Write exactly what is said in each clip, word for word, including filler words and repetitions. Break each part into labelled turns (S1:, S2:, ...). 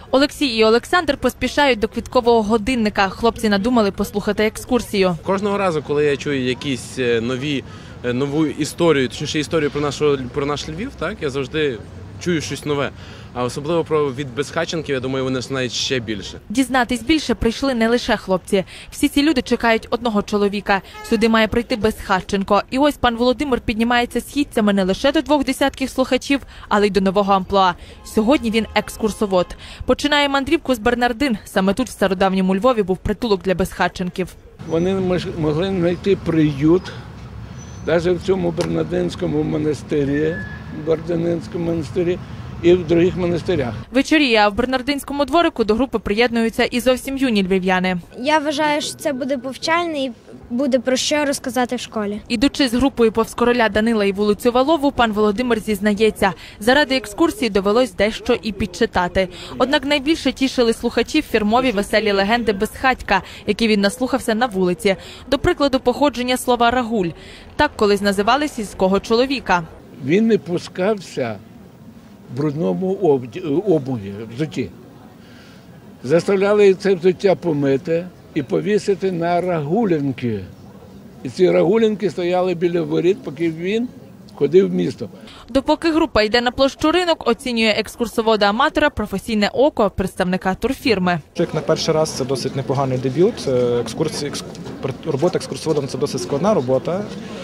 S1: Олексій і Олександр поспішають до квіткового годинника. Хлопці надумали послухати екскурсію.
S2: Кожного разу, коли я чую якісь нові, нову історію, точніше історію про, нашу, про наш Львів, так, я завжди чую щось нове. А особливо про від безхатченків, я думаю, вони знають ще більше.
S1: Дізнатись більше прийшли не лише хлопці. Всі ці люди чекають одного чоловіка. Сюди має прийти Безхатченко. І ось пан Володимир піднімається східцями не лише до двох десятків слухачів, але й до нового амплуа. Сьогодні він екскурсовод. Починає мандрівку з Бернардин. Саме тут, в стародавньому Львові, був притулок для безхатченків.
S3: Вони могли знайти приют навіть в цьому Бернардинському монастирі, Бернардинському монастирі, і в інших монастирях.
S1: Вечоріє, а в Бернардинському дворику до групи приєднуються і зовсім юні львів'яни.
S4: Я вважаю, що це буде повчальне і буде про що розказати в школі.
S1: Ідучи з групою повз Короля Данила і вулицю Валову, пан Володимир зізнається, заради екскурсії довелось дещо і підчитати. Однак найбільше тішили слухачів фірмові веселі легенди Безхатька, які він наслухався на вулиці. До прикладу, походження слова «рагуль». Так колись називали сільського чоловіка.
S3: Він не пускався в брудному обуві, взутті. Заставляли це взуття помити і повісити на рагулянки. І ці рагулянки стояли біля воріт, поки він ходив в місто.
S1: Допоки група йде на площу Ринок, оцінює екскурсовода-аматора професійне око представника турфірми.
S5: Як на перший раз це досить непоганий дебют. Екскурсії, робота екскурсоводом – це досить складна робота.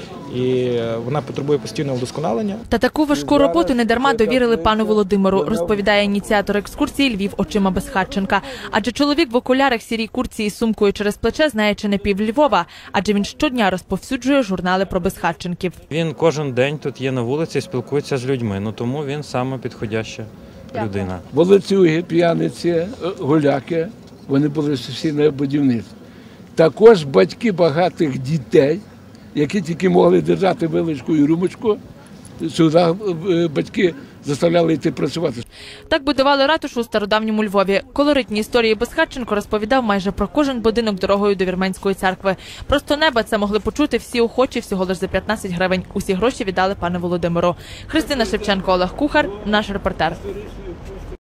S5: І вона потребує постійного вдосконалення.
S1: Та таку важку роботу недарма довірили пану Володимиру, розповідає ініціатор екскурсії Львів очима Безхатченка. Адже чоловік в окулярах, сірій куртці і сумкою через плече знає чи не пів Львова, адже він щодня розповсюджує журнали про безхатченків.
S6: Він кожен день тут є на вулиці, спілкується з людьми, ну тому він саме підходяща людина.
S3: Волоцюги, п'яниці, гуляки, вони були всі на будівництві. Також батьки багатих дітей, які тільки могли держати виличку і румочку, сюди батьки заставляли йти працювати.
S1: Так будували ратушу у стародавньому Львові. Колоритні історії Безхатченко розповідав майже про кожен будинок дорогою до Вірменської церкви. Просто неба це могли почути всі охочі всього лише за п'ятнадцять гривень. Усі гроші віддали пану Володимиру. Христина Шевченко, Олег Кухар, наш репортер.